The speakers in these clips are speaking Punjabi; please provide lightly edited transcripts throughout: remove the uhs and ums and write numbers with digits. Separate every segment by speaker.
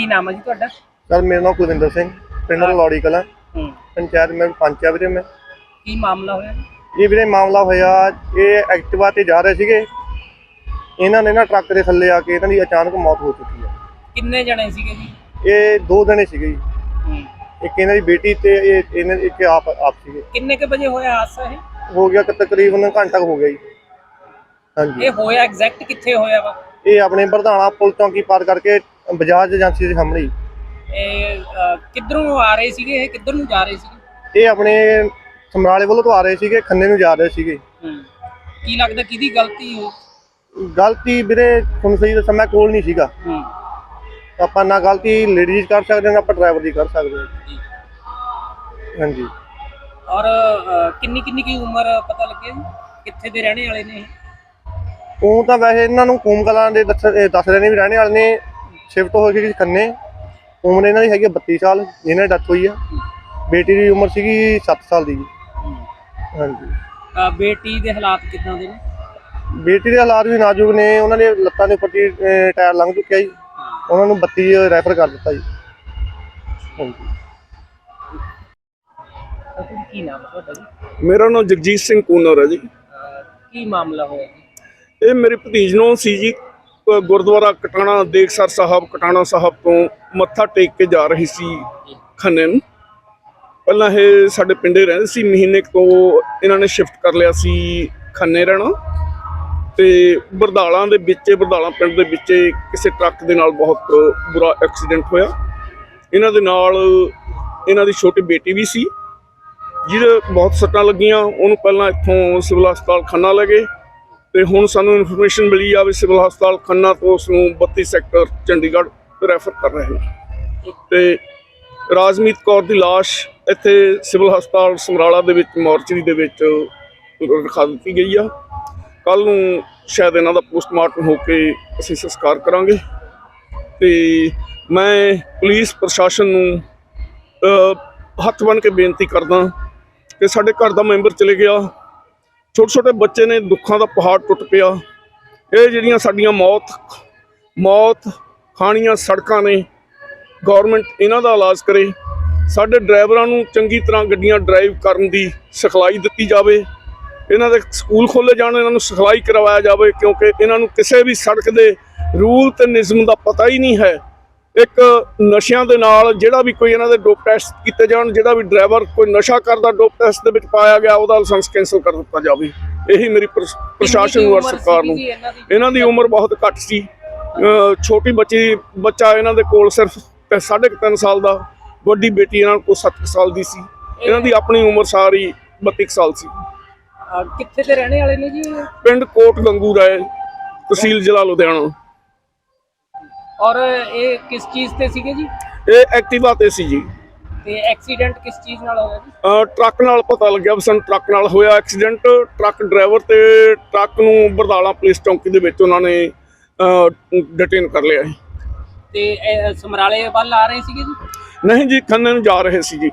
Speaker 1: ਕੀ ਨਾਮ ਹੈ ਜੀ ਤੁਹਾਡਾ?
Speaker 2: सर मेरा नाम कुलविंदर सिंह, पिंड लौड़ी कला पंचायत में पंच है वीरे। मैं
Speaker 1: ਕੀ ਮਾਮਲਾ ਹੋਇਆ?
Speaker 2: ये वीरे मामला होया, ये एक्टिवा ते जा रहे सीगे, इन्हां ने ना ट्रक के थल्ले आके इन्हां दी अचानक मौत हो चुकी है।
Speaker 1: ਕਿੰਨੇ ਜਣੇ ਸੀਗੇ ਜੀ?
Speaker 2: ये 2 जने सीगे जी, एक इन्हां दी बेटी ते एक आप सीगे।
Speaker 1: ਕਿੰਨੇ ਕੇ ਵਜੇ ਹੋਇਆ ਹਾਦਸਾ ਇਹ?
Speaker 2: हो गया तकरीबन घंटा हो गया जी। हाँ जी,
Speaker 1: ਇਹ ਹੋਇਆ ਐਗਜ਼ੈਕਟ ਕਿੱਥੇ ਹੋਇਆ ਵਾ?
Speaker 2: ये अपने बरधाना पुल चौंकी पार करके बजाज एजेंसी के सामने।
Speaker 1: ਇਹ ਕਿੱਧਰੋਂ ਆ ਰਹੇ ਸੀਗੇ? ਇਹ ਕਿੱਧਰ ਨੂੰ ਜਾ ਰਹੇ ਸੀਗੇ?
Speaker 2: ये अपने ਸਮਰਾਲੇ ਵੱਲੋਂ ਤੋਂ ਆ ਰਹੇ ਸੀਗੇ, ਖੰਨੇ ਨੂੰ ਜਾ ਰਹੇ ਸੀਗੇ।
Speaker 1: ਕੀ ਲੱਗਦਾ ਕਿਹਦੀ ਗਲਤੀ ਹੋ?
Speaker 2: ਗਲਤੀ ਵੀਰੇ ਤੁਹਾਨੂੰ ਸਹੀ ਦੱਸਾਂ, ਮੈਂ ਕੋਲ ਨਹੀਂ ਸੀਗਾ। ਆਪਾਂ ਨਾ ਗਲਤੀ ਲੇਡੀਜ਼ ਕਰ ਸਕਦੇ ਹਾਂ, ਆਪਾਂ ਡਰਾਈਵਰ ਦੀ ਕਰ ਸਕਦੇ ਹਾਂ। ਹਾਂਜੀ।
Speaker 1: ਔਰ ਕਿੰਨੀ ਕੀ ਉਮਰ ਪਤਾ ਲੱਗਿਆ ਜੀ? ਕਿੱਥੇ ਦੇ ਰਹਿਣੇ ਵਾਲੇ ਨੇ?
Speaker 2: ਉਹ ਤਾਂ ਵੈਸੇ ਇਹਨਾਂ ਨੂੰ ਕੂਮ ਕਲਾਂ ਦੇ ਦੱਸ ਰਹੇ ਨੇ ਵੀ ਰਹਿਣੇ ਵਾਲੇ ਨੇ, ਸ਼ਿਫਟ ਹੋ ਗਏ ਖੰਨੇ। ਉਮਰ ਇਹਨਾਂ ਦੀ ਹੈਗੀ 32 ਸਾਲ, ਜਿਹਨਾਂ ਦੀ ਡੈਥ ਹੋਈ ਆ। ਬੇਟੀ ਦੀ ਉਮਰ ਸੀਗੀ 7 ਸਾਲ ਦੀ ਜੀ। ਹਾਂਜੀ।
Speaker 1: ਬੇਟੀ ਦੇ ਹਾਲਾਤ ਕਿੱਦਾਂ ਦੇ ਨੇ?
Speaker 2: ਬੇਟੀ ਦੇ ਹਾਲਾਤ ਵੀ ਨਾਜ਼ੁਕ ਨੇ, ਉਹਨਾਂ ਦੇ ਲੱਤਾਂ ਦੇ ਉੱਪਰ ਦੀ ਟਾਇਰ ਲੰਘ ਚੁੱਕਿਆ ਜੀ, ਉਹਨਾਂ ਨੂੰ 32 ਰੈਫਰ ਕਰ ਦਿੱਤਾ ਜੀ। ਹਾਂਜੀ।
Speaker 1: ਕੀ ਨਾਮ ਹੈ ਤੁਹਾਡਾ ਜੀ?
Speaker 3: ਮੇਰਾ ਨਾਮ ਜਗਜੀਤ ਸਿੰਘ ਕੂਨਰ ਹੈ ਜੀ।
Speaker 1: ਕੀ ਮਾਮਲਾ ਹੋਇਆ ਜੀ?
Speaker 3: ਇਹ ਮੇਰੇ ਭਤੀਜ ਨੂੰ ਸੀ ਜੀ, ਗੁਰਦੁਆਰਾ ਕਟਾਣਾ ਦੇਖਸਰ ਸਾਹਿਬ ਕਟਾਣਾ ਸਾਹਿਬ ਤੋਂ ਮੱਥਾ ਟੇਕ ਕੇ ਜਾ ਰਹੀ ਸੀ ਖੰਨੇ ਨੂੰ। ਪਹਿਲਾਂ ਇਹ ਸਾਡੇ ਪਿੰਡੇ ਰਹਿੰਦੇ ਸੀ, ਮਹੀਨੇ ਤੋਂ ਇਹਨਾਂ ਨੇ ਸ਼ਿਫਟ ਕਰ ਲਿਆ ਸੀ ਖੰਨੇ ਰਹਿਣਾ। ਤੇ ਬਰਦਾਲਾਂ ਦੇ ਵਿੱਚ, ਬਰਦਾਲਾਂ ਪਿੰਡ ਦੇ ਵਿੱਚ ਕਿਸੇ ਟਰੱਕ ਦੇ ਨਾਲ ਬਹੁਤ ਬੁਰਾ ਐਕਸੀਡੈਂਟ ਹੋਇਆ। ਇਹਨਾਂ ਦੇ ਨਾਲ ਇਹਨਾਂ ਦੀ ਛੋਟੀ ਬੇਟੀ ਵੀ ਸੀ, ਜਿਹਦੇ ਬਹੁਤ ਸੱਟਾਂ ਲੱਗੀਆਂ। ਉਹਨੂੰ ਪਹਿਲਾਂ ਇੱਥੋਂ ਸਿਵਲ ਹਸਪਤਾਲ ਖੰਨਾ ਲੈ ਗਏ, ਤੇ ਹੁਣ ਸਾਨੂੰ ਇਨਫੋਰਮੇਸ਼ਨ ਮਿਲੀ ਆ ਵੀ ਸਿਵਲ ਹਸਪਤਾਲ ਖੰਨਾ ਤੋਂ ਉਸ ਨੂੰ 32 ਸੈਕਟਰ ਚੰਡੀਗੜ੍ਹ ਰੈਫਰ ਕਰ ਰਹੇ ਨੇ। ਤੇ ਰਾਜਮੀਤ ਕੌਰ ਦੀ ਲਾਸ਼ ਇੱਥੇ ਸਿਵਲ ਹਸਪਤਾਲ ਸਮਰਾਲਾ ਦੇ ਵਿੱਚ ਮੋਰਚਰੀ ਦੇ ਵਿੱਚ ਰਖਾ ਦਿੱਤੀ ਗਈ ਆ। ਕੱਲ੍ਹ ਨੂੰ ਸ਼ਾਇਦ ਇਹਨਾਂ ਦਾ ਪੋਸਟਮਾਰਟਮ ਹੋ ਕੇ ਅਸੀਂ ਸੰਸਕਾਰ ਕਰਾਂਗੇ। ਤੇ ਮੈਂ ਪੁਲਿਸ ਪ੍ਰਸ਼ਾਸਨ ਨੂੰ ਹੱਥ ਬੰਨ੍ਹ ਕੇ ਬੇਨਤੀ ਕਰਦਾ ਕਿ ਸਾਡੇ ਘਰ ਦਾ ਮੈਂਬਰ ਚਲੇ ਗਿਆ, ਛੋਟੇ ਬੱਚੇ ਨੇ, ਦੁੱਖਾਂ ਦਾ ਪਹਾੜ ਟੁੱਟ ਪਿਆ। ਇਹ ਜਿਹੜੀਆਂ ਸਾਡੀਆਂ ਮੌਤ ਖਾਣੀਆਂ ਸੜਕਾਂ ਨੇ, ਗੌਰਮੈਂਟ ਇਹਨਾਂ ਦਾ ਇਲਾਜ ਕਰੇ। ਸਾਡੇ ਡਰਾਈਵਰਾਂ ਨੂੰ ਚੰਗੀ ਤਰ੍ਹਾਂ ਗੱਡੀਆਂ ਡਰਾਈਵ ਕਰਨ ਦੀ ਸਿਖਲਾਈ ਦਿੱਤੀ ਜਾਵੇ। ਇਹਨਾਂ ਦੇ ਸਕੂਲ ਖੋਲ੍ਹੇ ਜਾਣ, ਇਹਨਾਂ ਨੂੰ ਸਿਖਲਾਈ ਕਰਵਾਇਆ ਜਾਵੇ, ਕਿਉਂਕਿ ਇਹਨਾਂ ਨੂੰ ਕਿਸੇ ਵੀ ਸੜਕ ਦੇ ਰੂਲ ਤੇ ਨਿਯਮ ਦਾ ਪਤਾ ਹੀ ਨਹੀਂ ਹੈ। ਇੱਕ ਨਸ਼ਿਆਂ ਦੇ ਨਾਲ ਜਿਹੜਾ ਵੀ ਕੋਈ ਇਹਨਾਂ ਦੇ ਡੋਪ ਟੈਸਟ ਕੀਤੇ ਜਾਣ, ਜਿਹੜਾ ਵੀ ਡਰਾਈਵਰ ਕੋਈ ਨਸ਼ਾ ਕਰਦਾ ਡੋਪ ਟੈਸਟ ਦੇ ਵਿੱਚ ਪਾਇਆ ਗਿਆ, ਉਹਦਾ ਲਾਇਸੈਂਸ ਕੈਂਸਲ ਕਰ ਦਿੱਤਾ ਜਾਵੇ। ਇਹੀ ਮੇਰੀ ਪ੍ਰਸ਼ਾਸਨ ਨੂੰ ਔਰ ਸਰਕਾਰ ਨੂੰ। ਇਹਨਾਂ ਦੀ ਉਮਰ ਬਹੁਤ ਘੱਟ ਸੀ, ਛੋਟੀ ਬੱਚਾ ਇਹਨਾਂ ਦੇ ਕੋਲ ਸਿਰਫ 3.5 ਸਾਲ ਦਾ, ਵੱਡੀ ਬੇਟੀ ਇਹਨਾਂ ਕੋਲ 7 ਸਾਲ ਦੀ ਸੀ। ਇਹਨਾਂ ਦੀ ਆਪਣੀ ਉਮਰ ਸਾਰੀ 32 ਸਾਲ ਸੀ।
Speaker 1: ਕਿੱਥੇ ਦੇ ਰਹਿਣੇ ਵਾਲੇ ਨੇ ਜੀ?
Speaker 3: ਪਿੰਡ ਕੋਟ ਗੰਗੂ ਰਾਏ, ਤਹਿਸੀਲ ਜ਼ਿਲ੍ਹਾ ਲੁਧਿਆਣਾ।
Speaker 1: ਔਰ ਇਹ ਕਿਸ ਚੀਜ਼ ਤੇ ਸੀਗੇ ਜੀ?
Speaker 3: ਇਹ ਐਕਟਿਵਾ ਤੇ ਸੀ ਜੀ।
Speaker 1: ਤੇ ਐਕਸੀਡੈਂਟ ਕਿਸ ਚੀਜ਼ ਨਾਲ ਹੋਇਆ ਜੀ?
Speaker 3: ਟਰੱਕ ਨਾਲ ਪਤਾ ਲੱਗਿਆ ਵੀ ਸਾਨੂੰ ਟਰੱਕ ਨਾਲ ਹੋਇਆ ਐਕਸੀਡੈਂਟ। ਟਰੱਕ ਡਰਾਈਵਰ ਤੇ ਟਰੱਕ ਨੂੰ ਬਰਦਾਲਾ ਪੁਲਿਸ ਚੌਂਕੀ ਦੇ ਵਿੱਚ ਉਹਨਾਂ ਨੇ ਡਿਟੇਨ ਕਰ ਲਿਆ ਹੈ।
Speaker 1: ਤੇ ਸਮਰਾਲੇ ਵੱਲ ਆ ਰਹੇ ਸੀਗੇ ਜੀ?
Speaker 3: ਨਹੀਂ ਜੀ, ਖੰਨੇ ਨੂੰ ਜਾ ਰਹੇ ਸੀ ਜੀ।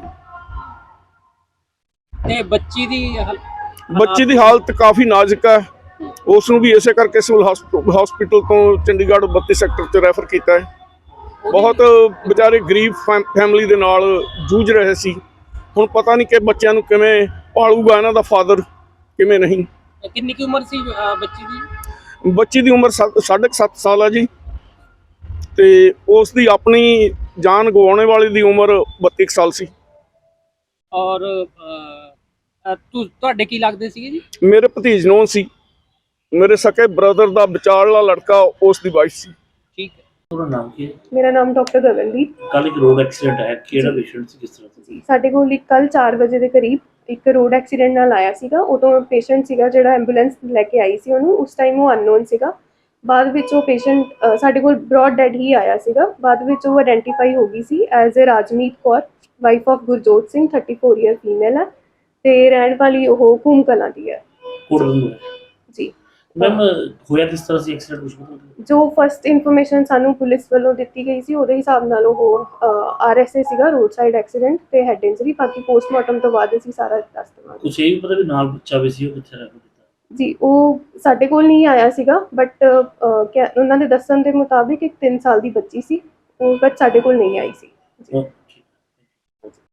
Speaker 1: ਤੇ ਬੱਚੀ ਦੀ
Speaker 3: ਹਾਲਤ ਕਾਫੀ ਨਾਜ਼ੁਕ ਹੈ। ਉਸ ਨੂੰ ਵੀ ਇਸੇ ਕਰਕੇ ਸਿਵਲ ਹਸਪੀਟਲ ਤੋਂ ਚੰਡੀਗੜ੍ਹ 32 ਸੈਕਟਰ 'ਚ ਰੈਫਰ ਕੀਤਾ ਹੈ। ਬਹੁਤ ਵਿਚਾਰੇ ਗਰੀਬ ਫੈਮਿਲੀ ਦੇ ਨਾਲ ਜੂਝ ਰਹੇ ਸੀ। ਹੁਣ ਪਤਾ ਨਹੀਂ ਕਿ ਬੱਚਿਆਂ ਨੂੰ ਕਿਵੇਂ ਪਾਲੂਗਾ ਇਹਨਾਂ ਦਾ ਫਾਦਰ, ਕਿਵੇਂ ਨਹੀਂ।
Speaker 1: ਕਿੰਨੀ ਕੀ ਉਮਰ ਸੀ ਬੱਚੀ ਦੀ?
Speaker 3: ਬੱਚੀ ਦੀ ਉਮਰ 7.5 ਸਾਲ ਹੈ ਜੀ, ਤੇ ਉਸ ਦੀ ਆਪਣੀ ਜਾਨ ਗਵਾਉਣੇ ਵਾਲੀ ਦੀ ਉਮਰ 32 ਸਾਲ ਸੀ।
Speaker 1: ਔਰ ਤੁਹਾਡੇ ਕੀ ਲੱਗਦੇ ਸੀਗੇ ਜੀ?
Speaker 3: ਮੇਰੇ ਭਤੀਜ ਨੂੰ ਸੀ, ਮੇਰੇ ਸਕੇ ਬ੍ਰਦਰ ਦਾ ਵਿਚਾਰਲਾ ਲੜਕਾ, ਉਸ ਦੀ ਵਾਈਫ ਸੀ।
Speaker 1: ਠੀਕ ਹੈ। ਤੁਹਾਡਾ ਨਾਮ ਕੀ ਹੈ?
Speaker 4: ਮੇਰਾ ਨਾਮ ਡਾਕਟਰ ਗਗਨਦੀਪ।
Speaker 1: ਕੱਲ ਇੱਕ ਰੋਡ ਐਕਸੀਡੈਂਟ ਹੈ, ਕਿਹੜਾ ਪੇਸ਼ੈਂਟ ਸੀ, ਕਿਸ ਤਰ੍ਹਾਂ ਸੀ?
Speaker 4: ਸਾਡੇ ਕੋਲ ਕੱਲ 4 ਵਜੇ ਦੇ ਕਰੀਬ ਇੱਕ ਰੋਡ ਐਕਸੀਡੈਂਟ ਨਾਲ ਆਇਆ ਸੀਗਾ। ਉਦੋਂ ਪੇਸ਼ੈਂਟ ਸੀਗਾ ਜਿਹੜਾ ਐਂਬੂਲੈਂਸ ਲੈ ਕੇ ਆਈ ਸੀ ਉਹਨੂੰ, ਉਸ ਟਾਈਮ ਉਹ ਅਨਨੋਨ ਸੀਗਾ। ਬਾਅਦ ਵਿੱਚ ਉਹ ਪੇਸ਼ੈਂਟ ਸਾਡੇ ਕੋਲ ਬ੍ਰੌਡ ਡੈਡ ਹੀ ਆਇਆ ਸੀਗਾ। ਬਾਅਦ ਵਿੱਚ ਉਹ ਆਇਡੈਂਟੀਫਾਈ ਹੋ ਗਈ ਸੀ as a Rajmeet Kaur, wife of Gurjot Singh, 34 year female ਹੈ, ਤੇ ਰਹਿਣ ਵਾਲੀ ਉਹ ਕੂਮ ਕਲਾਂ ਦੀ ਹੈ ਜੀ।
Speaker 1: ਮੈਮ ਹੋਇਆ ਕਿਸ ਤਰ੍ਹਾਂ ਸੀ ਐਕਸੀਡੈਂਟ? ਕੁਝ
Speaker 4: ਜੋ ਫਸਟ ਇਨਫੋਰਮੇਸ਼ਨ ਸਾਨੂੰ ਪੁਲਿਸ ਵੱਲੋਂ ਦਿੱਤੀ ਗਈ ਸੀ ਉਹਦੇ ਹਿਸਾਬ ਨਾਲ ਉਹ RSA ਸੀਗਾ, ਰੋਡ ਸਾਈਡ ਐਕਸੀਡੈਂਟ ਤੇ ਹੈਡ ਇੰਜਰੀ। ਬਾਕੀ ਪੋਸਟਮਾਰਟਮ ਤੋਂ ਬਾਅਦ ਅਸੀਂ ਸਾਰਾ ਦੱਸ ਦੇਵਾਂਗੇ।
Speaker 1: ਕੁਝ ਇਹ ਵੀ ਪਤਾ ਵੀ ਨਾਲ ਬੱਚਾ ਵੀ ਸੀ, ਉਹ ਕਿੱਥੇ ਰਹਿ ਗਿਆ
Speaker 4: ਜੀ? ਉਹ ਸਾਡੇ ਕੋਲ ਨਹੀਂ ਆਇਆ ਸੀਗਾ, ਬਟ ਉਹਨਾਂ ਦੇ ਦੱਸਣ ਦੇ ਮੁਤਾਬਿਕ ਇੱਕ 3 ਸਾਲ ਦੀ ਬੱਚੀ ਸੀ, ਉਹ ਬਟ ਸਾਡੇ ਕੋਲ ਨਹੀਂ ਆਈ ਸੀ।
Speaker 5: ਓਕੇ।